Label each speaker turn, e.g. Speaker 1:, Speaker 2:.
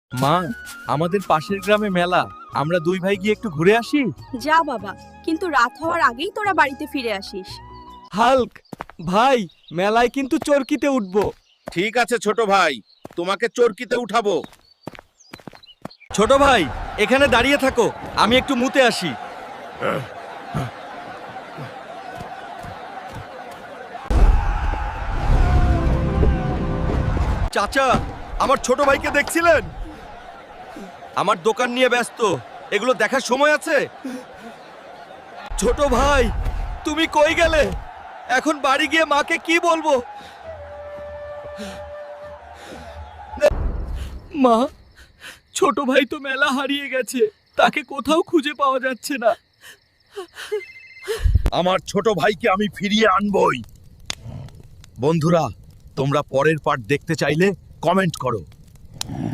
Speaker 1: মা, আমাদের পাশের গ্রামে মেলা, আমরা দুই ভাই গিয়ে একটু ঘুরে আসি।
Speaker 2: যা বাবা, কিন্তু রাত হওয়ার আগেই তোরা বাড়িতে ফিরে আসিস।
Speaker 1: হাল্ক ভাই, মেলায় কিন্তু চরকিতে উঠবো।
Speaker 3: ঠিক আছে ছোট ভাই, তোমাকে চরকিতে উঠাবো।
Speaker 1: ছোট ভাই, এখানে দাঁড়িয়ে থাকো, আমি একটু মুতে আসি। চাচা, আমার ছোট ভাইকে দেখছিলেন? আমার দোকান নিয়ে ব্যস্ত, এগুলো দেখার সময় আছে? ছোট ভাই, তুমি কই গেলে? এখন বাড়ি গিয়ে মাকে কি বলবো? মা, ছোট ভাই তো মেলা হারিয়ে গেছে, তাকে কোথাও খুঁজে পাওয়া যাচ্ছে না।
Speaker 3: আমার ছোট ভাইকে আমি ফিরিয়ে আনবই। বন্ধুরা, তোমরা পরের পার্ট দেখতে চাইলে কমেন্ট করো।